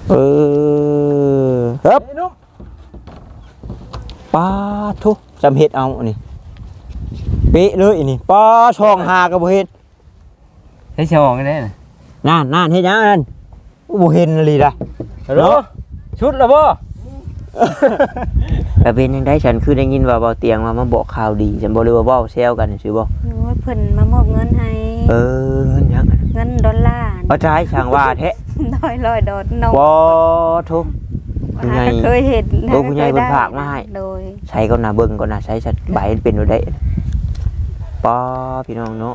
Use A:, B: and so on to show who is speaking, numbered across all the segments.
A: ครับปลาทุจำเห็ดเอาอันนี้เป๊ะเลยอันนี้ปลาช่องหากระโบเห็ด
B: ให้ช่องได้น่ะ
A: นั่นเฮ็ดยังนั่นโบเห็นเลยล่ะ
B: ฮัลโหลชุดละบ่
A: แต่เป็นยังได้ฉันคือได้ยินว่าเบาเตียงมาบอกข่าวดีฉันบอกเลยว่าเบาแซวกันสิบ่
C: โอ้ยเพิ่นมามอบเงินให้
A: เงินยัง
C: เงินดอลลาร์
A: เอาใจช่างว่าแท้
C: 100ดอลน้อง
A: บ่ทุกผู้ใหญ่
C: เคยเห็น
A: ผู้ใหญ่เพิ่นฝากมาให้
C: โดย
A: ใช้ก็น่าเบิ่งก็น่าใช้ชัดใบเป็นบ่ได้ป้าพี่น้องเนาะ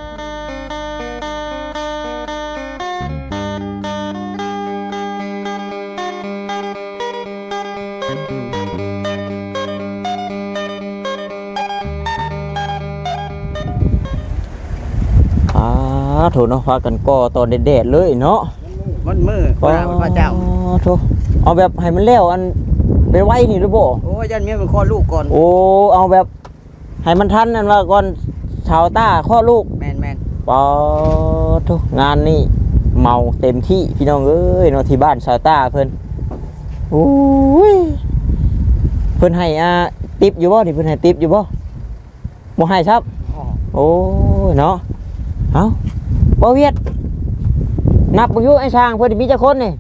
A: โถเนาะพากันก่อตอนแดดๆเลยเนาะ
B: มันมือพระเจ้า
A: โถเอาแบบให้มันแล้วอันไปไว้นี่หรือบ่
B: โอ้ยยันเมียมันคลอดลูกก่อน
A: โอ้เอาแบบให้มันทันนั่นว่าก่อนชาวต้าคลอดลูก
B: แม่น
A: ป้าโถงานนี่เมาเต็มที่พี่น้องเอ้ยเนาะที่บ้านชาวต้าเพิ่นโอ้ยเพิ่นให้ติ๊บอยู่บ่นี่เพิ่นให้ติ๊บอยู่บ่บ่ให้ครับโอ้ยเนาะเอ้าบ่เวียดนับบ่อยู่ไอ้ช้างเพิ่นมีจักคนนี่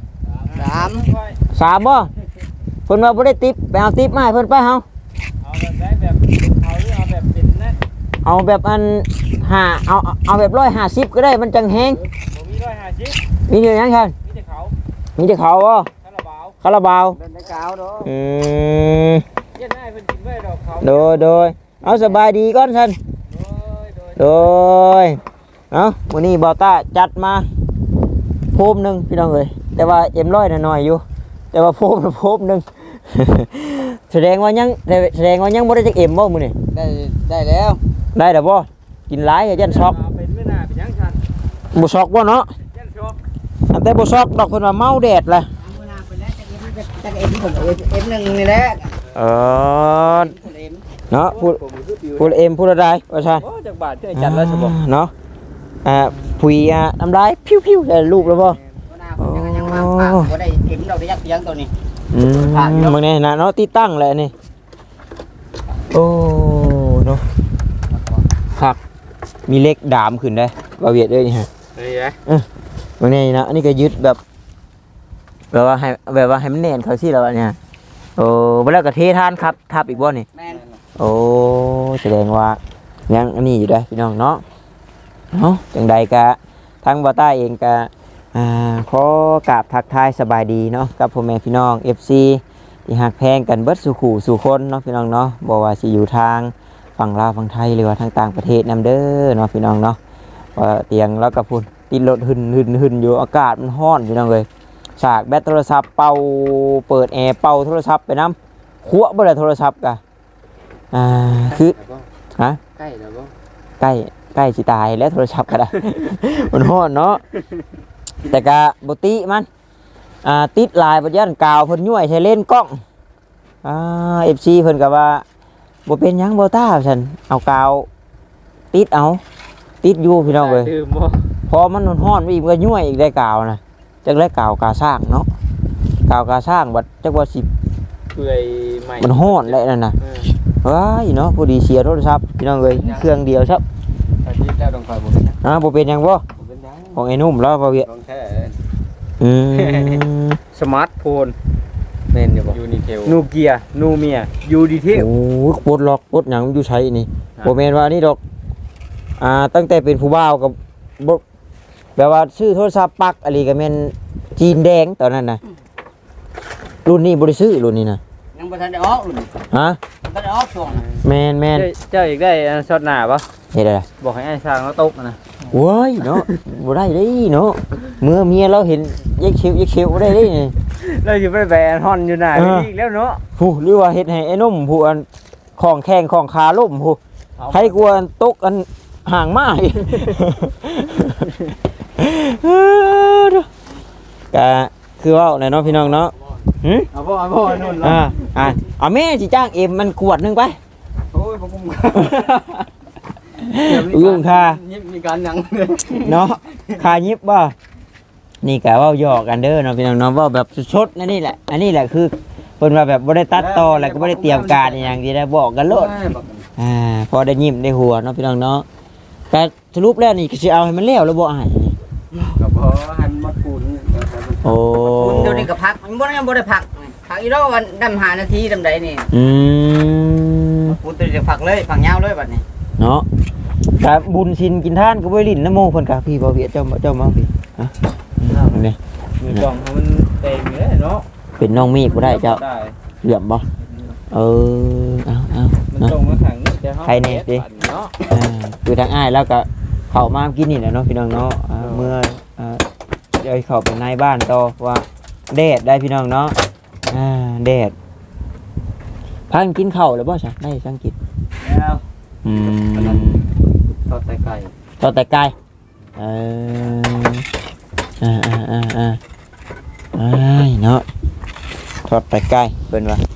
A: 3บ่เพิ่นว่าบ่ได้ติ๊บไปเอาติ๊บมาให้เพิ่นไปเฮา
B: เอาแบบได้แบบเอาหรือเอาแบบเป็นนะ
A: เอาแบบอันเอาแบบ150ก็ได้มันจังแฮง
B: บ่มี150
A: มีอยู่หยังคั่นมีแต่เขาบ่คาราบาว
B: เป็นได้กาวเนาะเย็นได้เพิ่นกินไว้ดอกเขา
A: โดยเอาสบายดีก่อนซั่นโดยเอ้ามื้อนี้บ่าวต้าจัดมาโพมนึงพี่น้องเอ้ยแต่ว่าเอ็มร้อยน้อยๆอยู่แต่ว่าโพมนึง แสดงว่ายังบ่ได้จักเอ็มบ่มื้อนี้
B: ได้แล้ว
A: ได้แล้วบ่กินหลายก็ยันช็อก
B: เป็นมื้อหน้าเป็นหยังซั่น
A: บ่ช็อกบ่เนาะ
B: ยันช็อก
A: แต่บ่ช็อกดอกเพิ่นว่าเมาแดดล่ะ
B: มื้อหน้าเป็นแล้วจักเอ็มผมเอ็ม1นี่แหละ
A: เนาะพูดเอ็มพูดอะไรว่าซั่น
B: โอ้จักบาทที่จัดแล้วสิบ่
A: เนาะผุยน้ำลายพิ้วๆได้รูปแล้วบ่
B: ยังมาบ่ได้เข็มดอกได้ยักเสียงตัวนี้
A: มึงนี่นะเนาะที่ตั้งแหละนี่โอ้เนาะคักมีเล็กดามขึ้นได้บ่เวียดเอ้ยนี่ฮะมึงนี่นะอันนี้ก็ยึดแบบว่าให้มันแน่นเขาสิแล้วเนี่ยโอ้บ่แล้วก็เททานครับทับอีกบ่นี่
B: แม่น
A: โอ้แสดงว่ายังอันนี้อยู่ได้พี่น้องเนาะเนาะจังใดกะทั้งบ่ต้าเองกะขอกราบทักทายสบายดีเนาะกับพ่อแม่พี่น้อง FC ที่ฮักแพงกันเบิดสู่ขู่สู่คนเนาะพี่น้องเนาะบ่ว่าสิอยู่ทางฝั่งลาวฝั่งไทยหรือว่าทางต่างประเทศนำเด้อเนาะพี่น้องเนาะว่าเตียงแล้วก็พุ่นติดรถหึ่นอยู่อากาศมันร้อนพี่น้องเอ้ยฉากแบตโทรศัพท์เป่าเปิดแอร์เป่าโทรศัพท์ไปน้ำคั่วบ่ได้โทรศัพท์กะคือฮะ
B: ใกล้แล้วบ่
A: ใกล้สิตายแล้วโทรศัพท์ก็ได้ มันร้อนเนาะแต่กะบ่ติมันติดลายบ่ยันกาวเพิ่นย่วยใช้เลนส์กล้องFC เพิ่นก็ว่าบ่เป็นหยังบ่ต้าซั่นเอากาวติดอยู่พี่น้องเอ้ยพอมันร้อนอีกมันก็ย่วยอีกได้กาวนะจักได้กาวกาสร้างเนาะกาวกาสร้างบัดจักว่าสิ
B: เปื่อยใหม่
A: มันร้อนแหละนั่นน่ะว้ายเนาะพอดีเสียโทรศัพท์พี่น้องเอ้ยเครื่องเดียวครับ
B: ที่เจ้าต้องคอยบ่เป็นหยัง
A: บ่เป็นหยังบ่ของไอ้นุ่มแล้วบ่เวีย
B: ของแท้สมาร์ทโฟนแม่นอยู่บ่ยูนิเทลนูเกียนูเมียยูดีเทล
A: โอ้ปลดล็อกปลดหยังอยู่ใช้นี่บ่แม่นว่านี่ดอกตั้งแต่เป็นผู้บ่าวกับแบบว่าซื้อโทรศัพท์ปักอะไรก็แม่นจีนแดงตอนนั้นน่ะรุ่นนี้บ่ได้ซื้อรุ่นนี้น่ะ
B: ยังบ่ทันได้ออกรุ่น
A: ฮะ
B: บ่ได้ออกช่วง
A: แม่น
B: เจ้าอีกได้ช็อตหน้าบ่
A: เฮ็ดอะไร
B: บอกให้ไอ้ช้างเขาตกนะ
A: โว้ยเนาะบ่ได้เด้เนาะเมื่อเมียเราเห็นยักเขียวได้เด้นี่
B: เราสิไปแบนฮอนอยู่หน้าอีกแล้วเนาะ
A: ผู้หรือว่าเฮ็ดให้ไอ้นุ่มผู้อันของแข้งของขาล่มผู้ใครกลัวตกอันห่างมากก็คือว่าในน้องพี่น้องเนาะ
B: เอาบ่นู่น
A: เอาแม่สิจ้างเอ็มมันขวดนึงไป
B: โอ้ยผม
A: ยุ่งค่ะ
B: ยิบมีการหนัง
A: เนาะคายิบบ่นี่ก็เว้าหยอกกันเด้อเนาะพี่น้องเนาะเว้าแบบสดๆนั่นนี่แหละอันนี้แหละคือเพิ่นว่าแบบบ่ได้ตัดต่อแล้วก็บ่ได้เตรียมการอหย่างที่ได้บอกกันโลดพอได้ยิ้มได้หัวเนาะพี่น้องเนาะก็สรุปแล้วนี่ก็สิเอาให้มันแล้วแล้วบ่อ้ายนี่
B: ก็บ่หันมาปูน
A: โอ้
D: คุณเดี๋ยวนี้ก็พักมันบ่ได้พักพักอีกแล้ววันดำ5นาทีดำใดนี่
A: อืม
D: คุณตัวจะพักเลยพักยาวเลยบัดนี้
A: เนาะก็บุญชินกินทานก็บ่ได้ลิ้นน้ำโมเพิ่นก็พี่บ่เวียดเจ้ามาพี่ฮะนี่
B: มือกล่องมันเต็มเลยเนาะ
A: เป็นน้องมีบ่ได้เจ้าเหลื่อมบ่เออเอา
B: มัน
A: เนาะ
B: ตรงมาขังจะ
A: ใครเนี่ยดิ
B: เนาะ
A: คือทางอ้ายแล้วก็เข้ามากินนี่แหละเนาะพี่น้องเนาะเมื่อเดี๋ยวเข้าไปในบ้านต่อว่าแดดได้พี่น้องเนาะแดดพังกินข้าวแล้วบ่ซะได้สังกิน
B: แล้ว
A: อืม
B: ทอดไก่
A: ทอดแต่ไก่เอเนาะทอดแต่ไก่เพิ่นว่า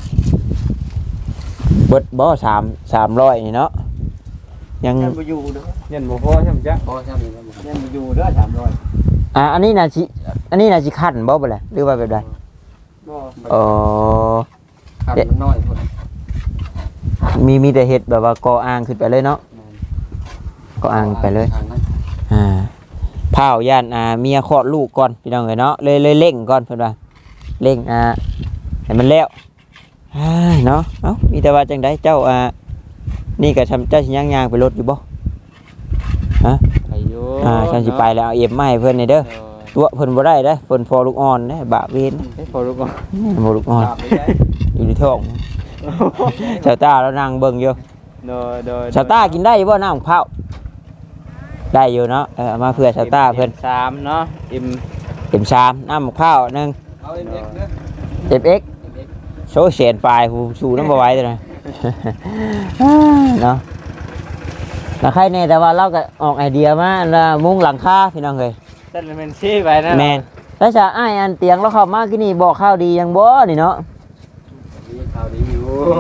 A: เบิดบ่300นี่เนาะยัง
B: ยันบ่อยู่เด้อยันบ่พอใช่มั้ยจ๊ะพอใช่มั้ยยันบ่อยู่เด้อ300
A: อันนี้น่าสิคั่นบ่บ่ล่ะหรือว่าแบบใด
B: บ่
A: อ๋อ
B: ขันมันน้อยพุ่น
A: มีแต่เห็ดแบบว่าก่ออ่างขึ้นไปเลยเนาะก่ออ่างไปเลยเผาย่านเมียคลอดลูกก่อนพี่น้องเอ้ยเนาะเลยเร่งก่อนเพิ่นว่าเร่งให้มันแล้วเนาะเอ้ามีแต่ว่าจังไดเจ้านี่ก็เจ้าสิย่างๆไปรถอยู่บ่ฮะ
B: ไปอยู่
A: ฉันสิไปแล้วเอาเอ็มมาให้เพิ่นนี่เด้อตัวเพิ่นบ่ได้เด้อเพิ่นพอลูกอ่อนเด้บะเวน
B: พอรู้ก่อน
A: บ่ลูกอ่อน อยู่ในท้องชาวตาแล้วนั่งเบิ่งอยู่
B: โดย
A: ชาวตากินได้บ่น้ำมะพร้าวได้อยู่เนาะเอามาเพื่อชาวตาเพิ่น
B: 3เนาะอิ่ม
A: เต็มชามน้ำมะพร้าวนึง
B: เอาเอ็กเด้อ
A: เต็มเอ็กโชว์เสียนปลายผู้ชูน้ำบ่ไหว้ตัวนั้นเนาะแล้วใครเนี่ยแต่ว่าเราก็ออกไอเดียมาแล้วมุ้งหลังคาพี่น้องเอ้ย
B: นั่นเป็นซี่ไปนะ
A: แม่นแล้วจะอ้ายอันเตียงแล้วเข้ามาที่นี่บอกข้าวดียังบ่นี่เนาะ
B: มีข่าวดีอยู่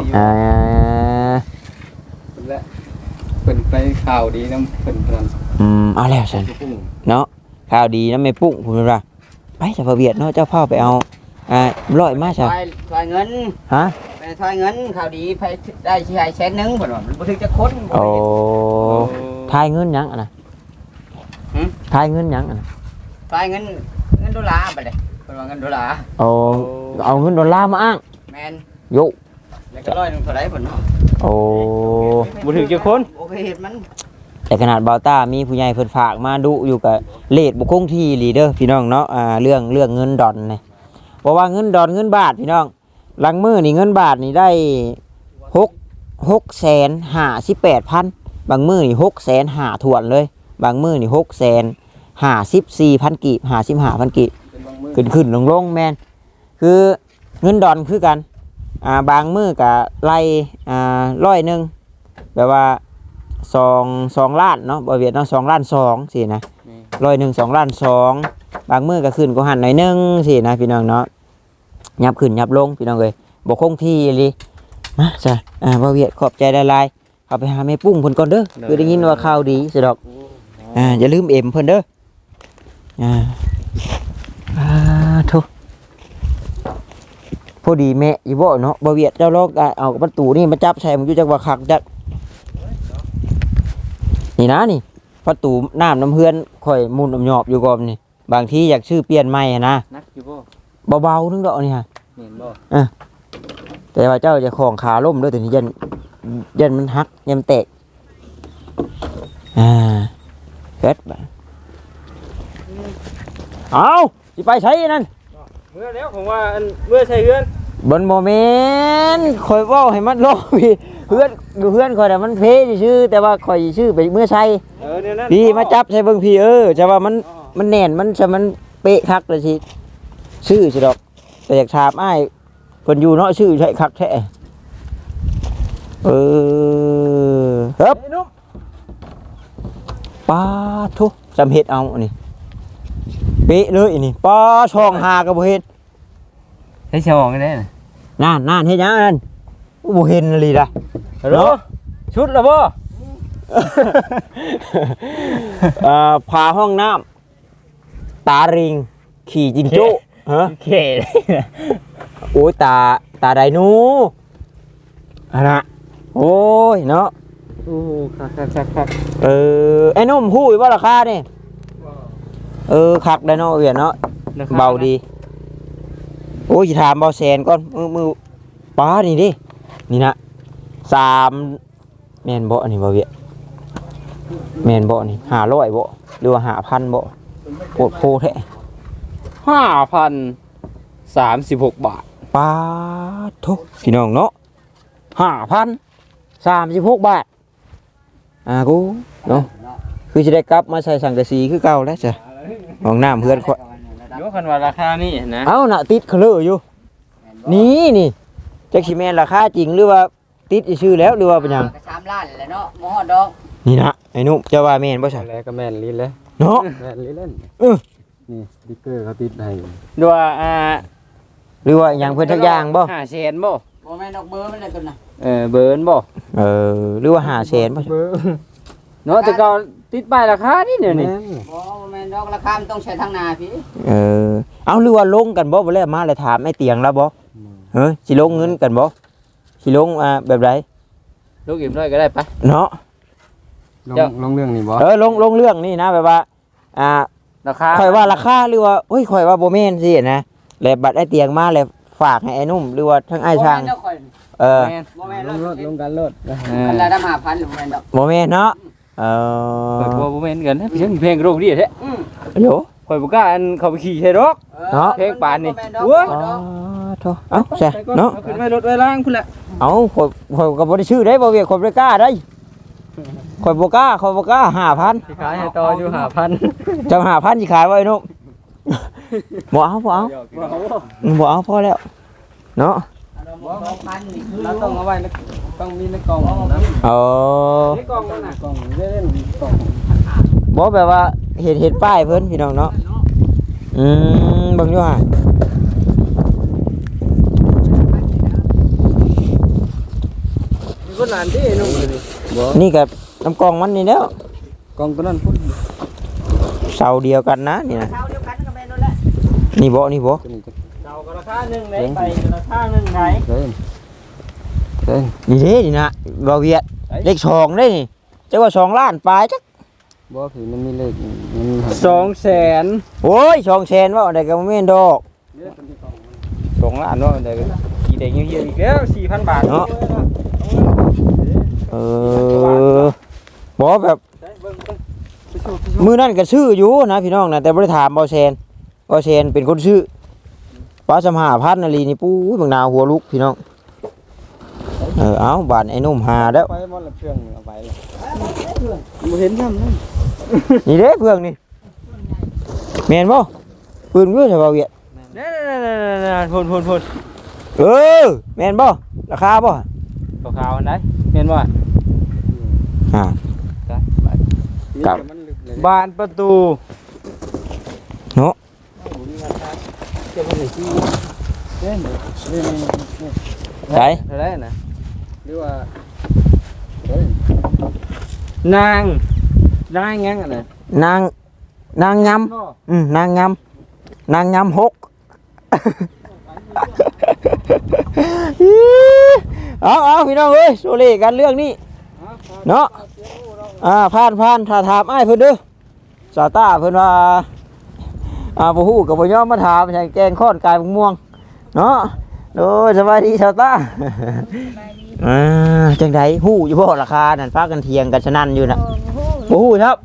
B: และเป็นไปข่าวดีน้ำเป็นพลัน
A: เอาแล้วฉันเนาะข้าวดีนะไม่ปุ้งผมว่าไปจะพาเวียดเนาะเจ้าพ่อไปเอาร้อยมาใช่
D: ทายเงิน
A: ฮะ
D: ไปทายเงินข่าวดีไปได้สิให้100,000นึงเพิ่นว่ามันบ่ถึงจะคนบ่
A: โอ้
D: ได้
A: ทายเงินหยังอ่ะนะทายเงินหยังอ่ะนะ
D: ทายเงินดอลลาร์ไปเลยเพิ่นว่าเงินดอลลาร์
A: โอ้เอาเงินดอลลาร์มาอ้าง
D: แม่น
A: โย
D: แล้วก็100นึงเท่าไหร่เพิ่นเนาะ
A: โอ้
B: บ่ถึงจะคน
D: โอเคเฮ็ดมัน
A: แต่ขนาดบาวต้ามีผู้ใหญ่เพิ่นฝากมาดุอยู่กับเลทบ่คงที่ลีเด้อพี่น้องเนาะเรื่องเงินดอนนี่เพราะว่าเงินดอนเงินบาทพี่น้องหลังมือนี่เงินบาทนี่ได้658,000บางมือนี่650,000ถ่วนเลยบางมือนี่654,000กีบ55,000กีบขึ้นลงแม่นคือเงินดอนคือกันบางมือก็ไล่100แบบว่า2 ล้านเนาะบ่เวียดเนาะ2 ล้าน2สินะ100 2 ล้าน2บางมือก็ขึ้นก็หันหน่อยนึงสินะพี่น้องเนาะยับขึ้นยับลงพี่น้องเอ้ยบ่คงที่เลยมาจ้ะบ่เวียดขอบใจหลายๆเข้าไปหาแม่ปุ้งเพิ่นก่อนเด้อคือได้ยินว่าข่าวดีสิดอกอย่าลืมเอ็มเพิ่นเด้อทุพอดีแม่อยู่บ่เนาะบ่เวียดเจ้าลอกเอาประตูนี่มาจับใส่มันอยู่จักว่าคักจักนี่นะนี่ประตูน้ำเพื่อนข่อยมุนหยอบอยู่ก่อนนี่บางทีอยากชื่อเปลี่ยนใหม่นะ
B: นักอยู่บ่
A: เบาๆนึงดอกนี่ฮะ
B: เห็นบ่
A: แต่ว่าเจ้าจะของขาล่มด้วยถึงยันมันหักยันแตกเฮ็ดบ่เอาสิไปใช้นั่น
B: เมื่อแล้วผมว่าอันเมื่อใช่เฮือน
A: บนโมเมนต์ข่อยเว้าให้มันลงพี่เพื่อนข่อยแต่ะมันเพชื่อแต่ว่าข่อยชื่อไปเมื่อใช้
B: เนี่ยนั่น
A: พี่มาจับใช้เบิ่งพี่จะว่ามันแน่นมันจะมันเป๊ะคักเลยสิชื่อสิดอกแต่อยากถามอ้ายเพิ่นอยู่เนาะชื่อใช่คักแท้ครับ
B: นุ่ม
A: ปลาทุจำเห็ดเอาอันนี้เป๊ะเลยอันนี้ปลาช่องหากระโบเห็ด
B: ให้ชองกันได้น่ะ
A: นั่นเฮ็ดหยังนั่นโบเห็นเลยล่ะ
B: ฮัลโหลชุดละบ่
A: พาห้องน้ตาริงขี่จิงโจ้ฮะ
B: เข่เลยนะ
A: โอ้ยตาไดหนูอันน่ะโอ้ยเนาะ
B: โอ้คัก
A: ไอ้นุ่มฮู้อยู่บ่ราคานี่คักได้เนาะเวียนเนาะเบาดีโอ้ยสิถามเบาแสนก่อนมือป้านี่ดินี่นะ3แม่นบ่อันนี้บ่เวียแม่นบ่นี่500บ่หรือว่า5,000บ่โคตรโพแท้
B: 5,036 บาท
A: ป้าทุกพี่น้องเนาะ5,036 บาทกูเนาะคือจะได้กลับมาใส่สังกะสีคือเก่าแล้วจ้ะห้องน้ำเพื่อนข่อย
B: ยกคันว่าราคานี่นะ
A: เอ้าน่ะติดเคลออยู่นี่จักสิแม่นราคาจริงหรือว่าติดชื่อแล้วหรือว่าเป็นหยัง
D: ก็3ล้านแหละเนาะบ่ฮอดดอก
A: นี่นะไอ้นุ่มเจ้าว่าแม่นบ่ใช่
B: แล้วก็แม่นลิ้นเลย
A: เนาะ
B: แม่นลิ้นเล่น
E: นี่สติ๊กเกอร์เขาติดให้
B: ดูว่า
A: หรือว่าหยังเพิ่นทักอย่างบ่
B: 500,000บ่
D: บ่แม่นดอกเบอร์มันเลยตัวน่ะ
B: เบิร์นบ่
A: หรือว่า500,000บ่ใช่
E: เบอร์
B: เนาะแต่ก็ติดป้ายราคานี่เดี๋ยวนี้
E: แม่น
D: บ่แม่นดอกราคามันต้องใช้ทางหน้าพี่
A: เอาหรือว่าลงกันบ่บ่แล้วมาเลยถามไอ้เตียงแล้วบ่สิลงเงินกันบ่สิลงแบบใด
B: ลูกอิ่มน้อยก็ได้ปะ
A: เนาะ
E: ลงเรื่องนี้บ่
A: ลงเรื่องนี่นะแบบว่า
B: ราคา
A: ข่อยว่าราคาหรือว่าเฮ้ยข่อยว่าบ่แม่นสินะแล้วบัดไอ้เตียงมาแล้วฝากให้ไอ้นุ่มหรือว่าทั้งไอ้ช่าง
D: บ่แม่นดอกข่อย
B: แม่น
D: บ่แม่น
E: ล
D: ดอก
E: งรถลงการรถ
D: กันละ5,000หรือบ่แม่นดอก
A: บ่แม่นเนาะ
B: เปิดบ่แม่นกันนะเพียงเพลงโรงดีแท้
A: โย
B: ข่อยบ่กล้าอันเข้าไปขี่ใช่ดอก
A: เนาะ
B: เพลงปานนี่
D: โอ้ย
A: โธ่เอาใช่เนาะ
B: เอาขึ้นไว้รถไว้ล่างพุ่นแหละ
A: เอาข่อยก็บ่ได้ชื่อได้บ่เวียกข่อยบ่ได้กล้าได้ข่อยบ่กล้า5,000
B: สิขายให้ต่ออยู่5,000
A: จัง5,000สิขายไว้นุ่มบ่เอาพอแล้วเนาะ
D: 2,000นี่คือ
E: เราต้องเอาไว้ต้องมีในกล่องนะ
B: ในกล่องนั่นน่ะ
E: กล่องเล่นกล่อง
A: บ่แบบว่าเห็นป้ายเพิ่นพี่น้องเนาะเบิ่งอยู่ห่า
B: มีคนหลานที่นุ่มเลยนี่
A: นี่กับน้ำกองมันนี่แล้ว
E: กล่องตัวนั้นพุ่น
A: เสาเดียวกันนะนี่นะ
D: เท่าเดียวกันก็แม่นนั่นแหละ
A: นี่บ่
E: ตัวนี้จะ
B: เดาก็ราคาหนึงไหนไปก็ราคาหนึงไหน
E: เล่นเล่น
A: นี่เด้นี่นะบ่เวียดเลข2ได้นี่จักว่า2ล้านปลายจัก
E: บ่ผีมันมีเลขมันมี
B: 200,000
A: โอ้ย200,000ว่าได้ก็บ่แม่นดอก
B: 2ล้านว่ามันได้กี่ได้เงี้ยๆอีกแล้ว 4,000 บาท
A: เนาะบ่แบบมื้อนั้นก็ซื้ออยู่นะพี่น้องนะแต่บ่ได้ถามบ่แซนเป็นคนซื้อปลาสำ5,000นาลีนี่ปุ้ยบางนาวหัวลุกพี่น้องเอาบาดไอ้นุ่มหาแล้ว
E: ไปหมดละเครื่องเอาไปละ
B: บ่เห็นซ้ำนั่น
A: นี่เด้เพื่องนี่แม่นบ่ปืนเว้ยใช่บ่เวียด
B: นั่นๆๆๆพ่น
A: แม่นบ่ราคาบ่
B: ๆขาวๆอันใดแม่นบ่
A: อ่า ครับ
E: มันลึกเลย
B: บานประตู
A: เนาะ
E: เล่นเล่น
A: ไส
B: เท่าไหร่น่ะ
E: หรือว่า
B: นางยังอ่ะน่ะ
A: นางยำนางยำ6เอาพี่น้องเอ้ยโซเลกันเรื่องนี้เนาะผ่านถ้าถามอ้ายเพิ่นเด้อสาวต้าเพิ่นว่าบ่ฮู้ก็บ่ยอมมาถามใช่แกงค้อนกายม่วงเนาะโดยสบายดีสาวต้าจังไดฮู้อยู่บ่ราคานั่นพากันเถียงกันฉะนั้นอยู่น่ะบ่ฮู้ครับ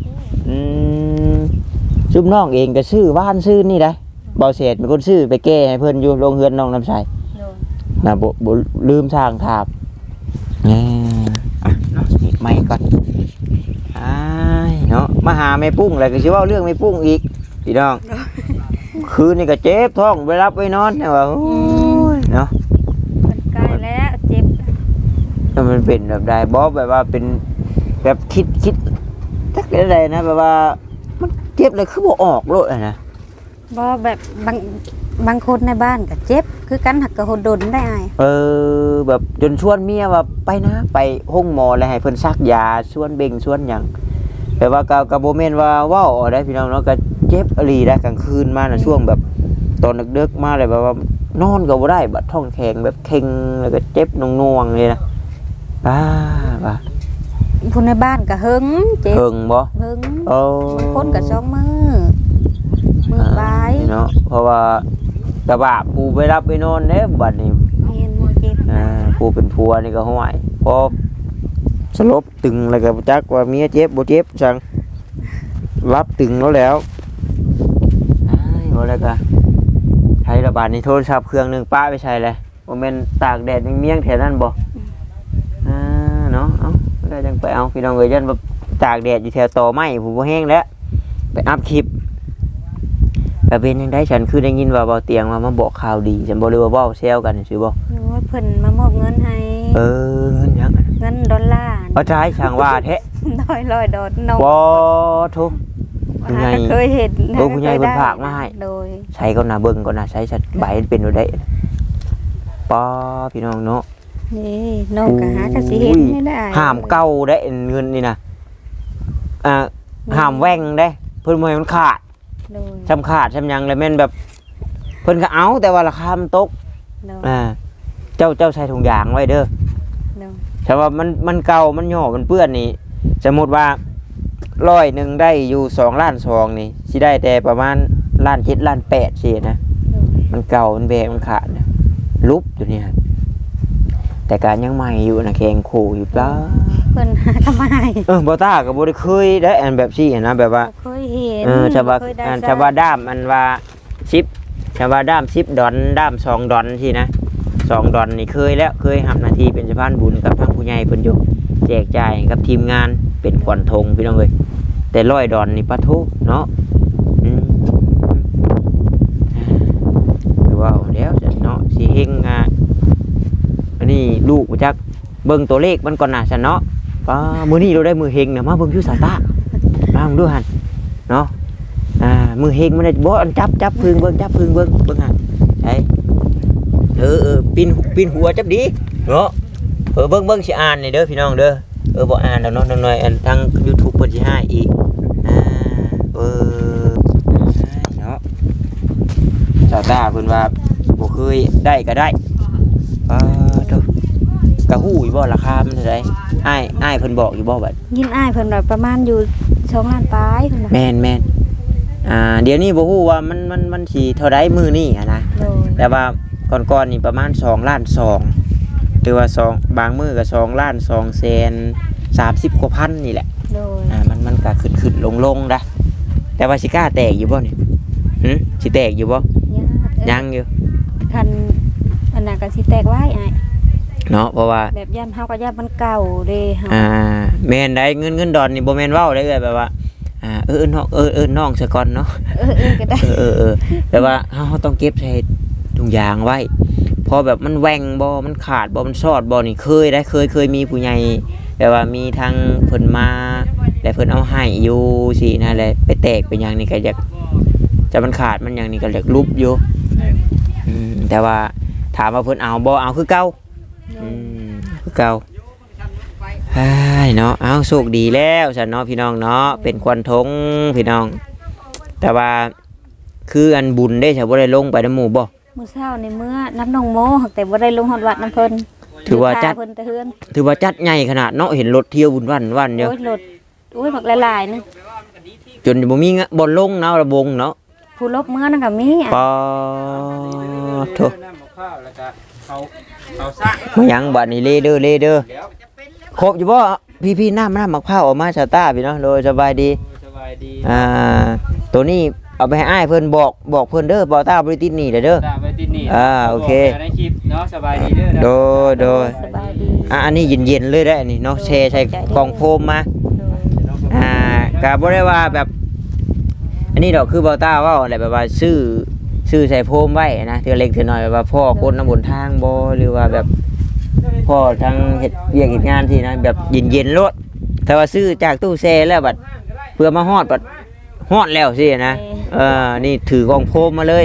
A: ซุมน้องเองก็ซื้อบ้านซื้อนี่ได้เบาเศษเป็นคนซื้อไปแก้ให้เพิ่นอยู่โรงเรือนน้องน้ำใสนะบ่ลืมสร้างถาบเนาะปิดไมค์ก่อนเนาะมาหาแม่ปุ้งอะไรก็สิเว้าเรื่องแม่ปุ้งอีกพี่น้องคืนนี่ก็เจ็บท้องไปรับไปนอนเนี่ยว่าโอ้ยเนาะ
C: มันใกล้แล้วเจ็บ
A: แล้วมันเป็นแบบใดบ่แบบว่าเป็นแบบคิดจักได้นะแบบว่ามันเจ็บเลยคือบ่ออกโลดอะนะ
C: บ่แบบบางคนในบ้านก็เจ็บคือกันหักกระหดดนได้อ้าย
A: แบบจนชวนเมียว่าไปนะไปห้องหมอแล้วให้เพิ่นซักยาชวนเบ่งชวนหยังแต่ว่าก็บ่แม่นว่าเว้าได้พี่น้องเนาะก็เจ็บอหลีได้กลางคืนมาน่ะช่วงแบบตอนดึกๆมาเลยแบบว่านอนก็บ่ได้บัดท้องแข็งแบบเค็งแล้วก็เจ็บหน่วงๆเลยนะว่า
C: ผู้ในบ้านก็หึงเจ็บ
A: เพิ่งบ่
C: หึง
A: โอ้
C: บางคนก็2มื้อปลาย
A: เนาะเพราะว่ากระบะผู้ไปรับไปนอนเด้บัดนี้
C: แม่นเจ็บ
A: ผู้เป็นผัวนี่ก็ห่วยพอสลบตึงแล้วก็บ่จักว่าเมียเจ็บบ่เจ็บจังรับตึงแล้วอ้ายบ่แล้วก็ใช้ระบาดนี่โทรศัพท์เครื่องหนึงป้าไปใช้เลยบ่แม่นตากแดดเมี่ยงๆแถวนั้นบ่เนาะเอาได้จังไปเอาพี่น้องเอ้ยยันแบบตากแดดอยู่แถวตอไม้ผมบ่แห้งแล้วไปอัพคลิปก็เป็นจังได๋ฉันคือได้ยินว่าเบาเตียงมาบอกข่าวดีฉันบ่รู้ว่าเว้าแซวกันซื่อบ่
C: โอ้ยเพิ่นมามอบเงินให้
A: เงินยัง
C: เงินดอลลาร์
A: เอาใจช่างว่าแท้
C: ร้อยดอลนก
A: บ่ทุกผู้ใหญ่
C: เคยเห็น
A: ผู้ใหญ่เพิ่นฝากมาให้
C: โดย
A: ใช้ก่อนนะเบิ่งก่อนนะใช้ชัดใบมันเป็นอยู่ได้ป้าพี่น้องเนาะ
C: นี่นกก็หากะสิเห็นไม่ได้
A: ห้ามเก่าได้เงินนี่นะห้ามแว่งได้เพิ่นบ่ให้มันขาด
C: โดย
A: ชำขาดชำหยังแล้วแม่นแบบเพิ่นก็เอาแต่ว่าราคามันตก
C: โดย
A: เจ้าใช้ถุงยางไว้เด้อ
C: โดย
A: แต่ว่ามันเก่ามันย่อมันเปื้อนนี่สมมุติว่า100ได้อยู่2ล้าน2นี่สิได้แต่ประมาณล้าน7ล้าน8สินะ
C: โดย
A: มันเก่ามันแบกมันขาดนะลุบอยู่เนี่ยแต่การยังใหม่อยู่นะแข็งขู่อยู่ปลา
C: เพิ่นหาทำไม
A: บอต้ากับบริเคยได้อันแบบซี่นะแบบว่า
C: เคยเห็น
A: ชาวบ้าน
C: เคยได้
A: ชาวบ้านด้ามอันว่าชิปชาวบ้านด้าม10 ดอนด้าม2 ดอนที่นะ2 ดอนนี่เคยแล้วเคยหับหนาทีเป็นสะพานบุญกับทางผู้ใหญ่เพิ่นอยู่แจกจ่ายกับทีมงานเป็นขวัญธงพี่น้องเอ้ยแต่100 ดอนนี่ปะทุเนาะคือว่าเดี๋ยวจะเนาะสิเฮงอันนี้ลูกบ่จักเบิ่งตัวเลขมันก่อนน่ะซั่นเนาะมื้อนี้เราได้มือเฮงน่ะมาเบิ่งอยู่สายตามาเบิ่งดูหั่นเนาะมือเฮงมันได้บ่อันจับพึ่งเบิ่งจับพึ่งเบิ่งหั่นใช่ปีนหัวจับดีเนาะเบิ่งสิอ่านนี่เด้อพี่น้องเด้อบ่อ่านแล้วเนาะน้อยๆอันทาง YouTube เพิ่นสิให้อีกเนาะสายตาเพิ่นว่าบ่เคยได้ก็ได้กะฮู้อยู่บ่ราคามันเท่าใดอ้ายเพิ่นบอกอยู่บ่บัด
C: ยินอ้ายเพิ่นว่าประมาณอยู่2ล้านปลายเพิ่นว่า
A: แม่นเดี๋ยวนี้บ่ฮู้ว่ามันสิเท่าใดมื้อนี้นะ
C: โดย
A: แต่ว่าก่อนๆนี่ประมาณ2ล้าน2หรือว่า2บางมื้อก็2ล้าน2แสน30กว่าพันนี่แหละ
C: โดย
A: มันก็ขึ้นลงนะแต่ว่าสิกล้าแตกอยู่บ่นี่สิแตกอยู่บ่ยังอยู่
C: คันอันนั้นก็สิแตกไว้อ้าย
A: เนาะเพราะว่า
C: แบบย่านเฮาก็ย่านมันเก่าเด้เฮา
A: แม่นได้เงินดอนนี่บ่แม่นเว้าได้เลยแบบว่าน้องซะก่อนเนาะ
C: ก็ได้
A: แต่ว่าเฮาต้องเก็บใส่ถุงยางไว้พอแบบมันแหว่งบ่มันขาดบ่มันซอดบ่นี่เคยมีผู้ใหญ่แบบว่ามีทางเพิ่นมาแล้วเพิ่นเอาให้อยู่สินั่นแหละไปแตกเป็นหยังนี่ก็อยากจะมันขาดมันหยังนี่ก็อยากลุบอยู่แต่ว่าถามว่าเพิ่นเอาบ่เอาคือเก่าคือเก่าเนาะเอาโชคดีแล้วฉันเนาะพี่น้องเนาะเป็นควันทงพี่น้องแต่ว่าคืออันบุญได้ฉันบ่ได้ลงไปน้ำหมู่บ่
C: มื้อเช้าในเมื่อน้ำนองโมแต่บ่ได้ลงฮอดวัดน้ำเพิ่น
A: ถือว่าจัด
C: เพิ่นแต่เฮือน
A: ถือว่าจัดใหญ่ขนาดเนาะเห็นรถเที่ยวบุญวันเดียว
C: โอ้ยรถโอ้ยบักหลายๆนึง
A: จนบ่มีบ่ลงเนาะระบงเนาะ
C: ผู้ลบเมื่อนั่นก็มีอ่ะ
A: ปอโถ
E: น้ำมะพร้าวแล้วก็เอาซาก
A: มายังบัดนี้เลเด้อครบอยู่บ่พี่น้ำมะพร้าวออกมาชาต้าพี่เนาะโดยสบายดี
E: สบายดี
A: ตัวนี้เอาไปให้อ้ายเพิ่นบอกเพิ่นเด้อบ่ต้าบ่ได้ติดหนี้เด้อ
E: ตามไปที่นี่
A: โอเค
E: บอกในคลิปเนาะสบายดีเด้อ
A: โดย
C: สบายดี
A: อันนี้เย็นๆเลยได้อันนี้เนาะแช่ใส่กล่องโฟมมา
C: โดย
A: ก็บ่ได้ว่าแบบอันนี้ดอกคือบ่ต้าเว้าอะไรแบบว่าซื้อใส่โฟมไว้นะเทื่อเล็กเทื่อน้อยแบบว่าพ่อคนน้ำบนทางบ่หรือว่าแบบพ่อทางเฮ็ดเวียกเฮ็ดงานที่นะแบบเย็นๆโลดแต่ว่าซื้อจากตู้แช่แล้วบัดเพื่อมาฮอดบัดฮอดแล้วสินะนี่ถือกล่องโฟมมาเลย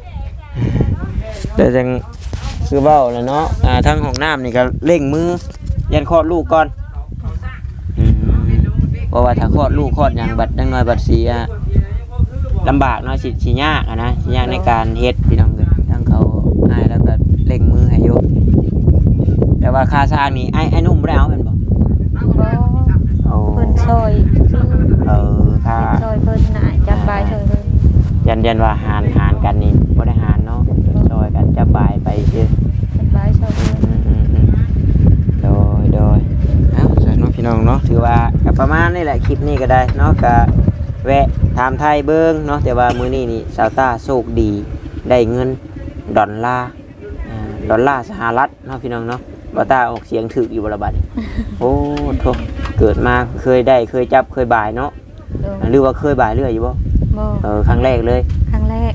A: แล้วจังคือเว้าแล้วเนาะทางห้องน้ำนี่ก็เร่งมือยันคลอดลูกก่อนเพราะว่าถ้าคลอดลูกคลอดหยังบัดจังน้อยบัดสิลำบากเนาะสิยากอะนะสิยากในการเฮ็ดพี่น้องเอ้ยทั้งเขาอ้ายแล้วก็เร่งมือให้อยู่แต่ว่าค่าสร้างนี่ไอ้นุ่มบ่ได้เอาแม่นบ่
C: บ่
A: โอ้
C: เพิ่นซอยซื่อ
A: ค่า
C: ซอยเพิ่นน่ะจับบายซอยเพิ่น
A: ยันว่าหารกันนี่บ่ได้หารเนาะช่วยกันจับบายไปซื่อ
C: จับบายซอยเพิ่น
A: โดยเอ้าสาธุพี่น้องเนาะถือว่าก็ประมาณนี้แหละคลิปนี้ก็ได้เนาะก็แวะถามไทยเบิ่งเนาะแต่ว่ามื้อนี้นี่สาวต้าโชคดีได้เงินดอลลาร์ดอลลาร์สหรัฐเนาะพี่น้องเนาะบ่ต้าออกเสียงถูกอยู่บ่ละบัดนี้ โอ้โธ่เกิดมาเคยได้เคยจับเคยบ่ายเนาะ
C: โดย
A: หรือว่าเคยบ่ายเรื่อยอยู่บ่
C: บ่
A: ครั้งแรกเลย
C: ครั้งแรก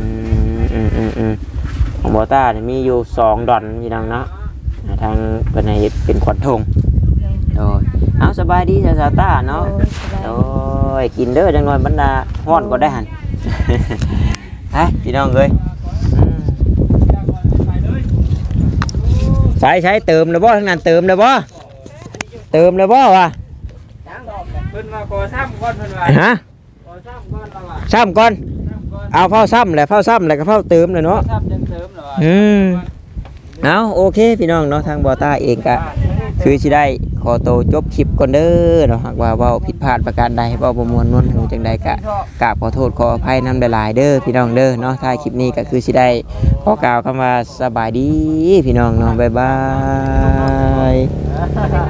A: ของบอต้าเนี่ยมีอยู่2 ดอนพี่น้องเนาะทางเป็นในเป็นขวัญธงโอ้ยเอาสบายดีสาวต้าเนาะ
C: โดยสบาย
A: โอ้ยกินเด้อจังหน่อยบรรดาฮ้อนก็ได้หัน ฮะพี่น้องเอ้ยใช้เติมแล้วบ่ทั้งนั้นเติมแล้วบ่วะ
E: เพิ่นมาขอซ้ำก่อนเพิ่นว่า
A: ฮะ
E: ขอซ้ำก่อนแล้วว่า
A: ซ้ำก่อน
E: ซ้ำก่อน
A: เอาเฝ้าซ้ำแล้วก็เฝ้าเติมเลยเนาะ
E: ซ้ำจังเติมแล้วว่า
A: เอาโอเคพี่น้องเนาะทางบอต้าเองก็คือสิได้ขอโตวจบคลิปก่อนเด้อเนาะหากว่าเว้าผิดพลาดประการใดเว้าบ่ม่วนนวลหูจังใดก็กราบขอโทษขออภัยนำหลายๆเด้อพี่น้องเด้อเนาะท้ายคลิปนี้ก็คือสิได้ขอกล่าวคำว่าสบายดีพี่น้องเนาะบ๊ายบาย